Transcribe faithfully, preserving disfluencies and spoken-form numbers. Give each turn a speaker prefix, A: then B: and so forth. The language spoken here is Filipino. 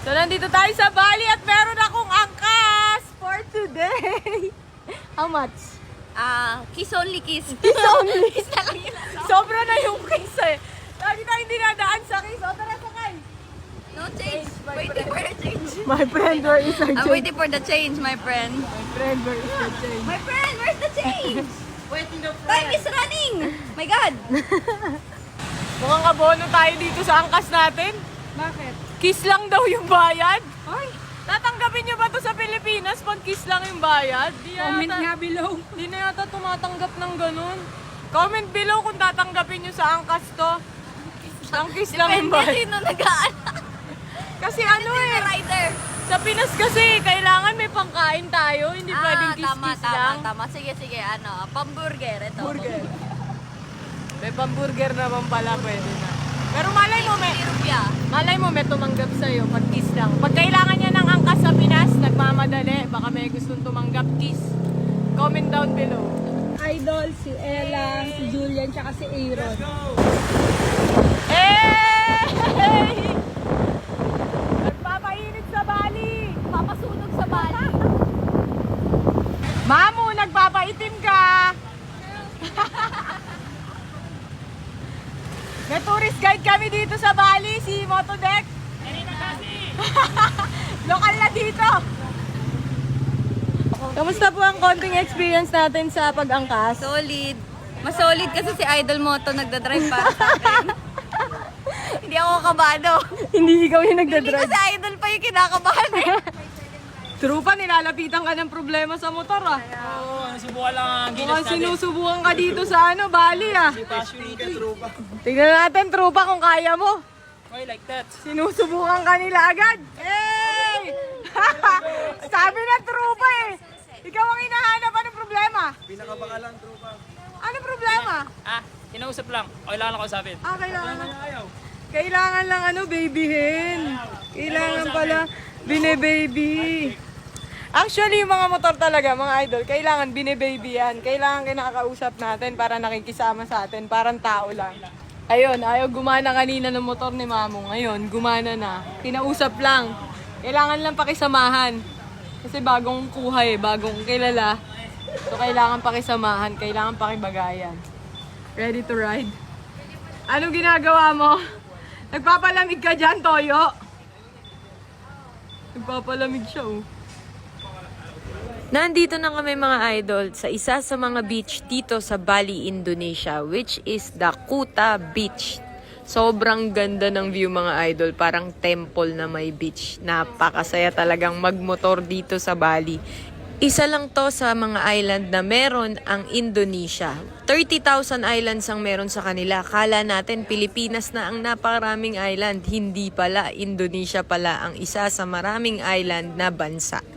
A: So, nandito tayo sa Bali at meron akong angkas for today. How much?
B: Ah, kiss only kiss.
A: Kiss only.
B: Kiss na lang yun.
A: Sobra na yung kiss eh. Lagi tayong dinadaan sa kiss. O, tara sakay.
B: No change. Waiting for the change.
A: My friend, where is our
B: I'm
A: change?
B: waiting for the change, my friend.
A: My friend, where is the change?
B: My friend, where's the change?
A: Waiting the
B: Time is running. My God.
A: Mukhang kabono tayo dito sa angkas natin.
B: Bakit?
A: Kiss lang daw yung bayad.
B: Ay,
A: Tatanggapin nyo ba to sa Pilipinas pag kiss lang yung bayad? Di
B: comment
A: yata,
B: nga below.
A: di na yata tumatanggap ng ganun. Comment below kung tatanggapin nyo sa angkas to. Ang kiss lang yung
B: Depende
A: bayad.
B: sino nag-aan.
A: Kasi ano
B: Sino
A: eh,
B: rider?
A: sa Pinas kasi kailangan may pangkain tayo. Hindi pwedeng
B: Ah, tama,
A: kiss-kiss
B: tama,
A: lang.
B: tama. Sige, sige. Ano, pamburger. Ito.
A: Burger. May pamburger naman pala, pwede na. Pero malay mo, may,
B: Rupya.
A: malay mo may tumanggap sa'yo pag kiss lang. Pag kailangan niya ng angkas sa Pinas, nagmamadali, baka may gustong tumanggap, kiss. Comment down below.
C: Idol, si Ella, si Julian, tsaka si Aaron.
A: Hey! Nagpapainit sa Bali!
B: Papasunog sa bali.
A: Mamu, nagpapaitim ka! May tourist guide kami dito sa Bali, si Motodeck. Lokal na dito. Kamusta po ang konting experience natin sa pag-angkas?
B: Solid. Mas solid kasi si Idol Moto nagdadrive para sa akin. Hindi ako kabado.
A: Hindi ikaw yung
B: Hindi
A: nagdadrive.
B: ko si Idol pa yung kinakabahan eh.
A: True pa, nilalapitan ka ng problema sa motor ah.
D: Oo, nasubukan lang ang gilas
A: Mukhang
D: natin.
A: sinusubukan ka dito sa ano, Bali ah.
D: Passionate trupa.
A: Tingnan natin, trupa, kung kaya mo.
D: Why like that?
A: Sinusubukan ka nila agad. Hey! Sabi na trupa eh. Ikaw ang hinahanap. Anong problema?
D: Pinakabakalang trupa.
A: Anong problema?
D: Ah, kinausap lang. Okay lang ako sabihin.
A: Ah, kailangan.
D: Ayaw.
A: Kailangan lang ano, babyhin. Kailangan pala bine-baby. Actually, yung mga motor talaga, mga idol, kailangan bine-baby yan. Kailangan kinakausap natin para nakikisama sa atin. Parang tao lang. Ayun, ayaw gumana kanina ng motor ni Mamo. Ngayon, gumana na. Kinausap lang. Kailangan lang pakisamahan. Kasi bagong kuha eh, bagong kilala. So, kailangan pakisamahan, kailangan pakibagayan. Ready to ride? Anong ginagawa mo? Nagpapalamig ka dyan, Toyo? Nagpapalamig siya, oh. Nandito na kami mga idol sa isa sa mga beach dito sa Bali, Indonesia, which is the Kuta Beach. Sobrang ganda ng view mga idol, parang temple na may beach. Napakasaya talagang magmotor dito sa Bali. Isa lang to sa mga island na meron ang Indonesia. thirty thousand islands ang meron sa kanila. Kala natin Pilipinas na ang napakaraming island. Hindi pala, Indonesia pala ang isa sa maraming island na bansa.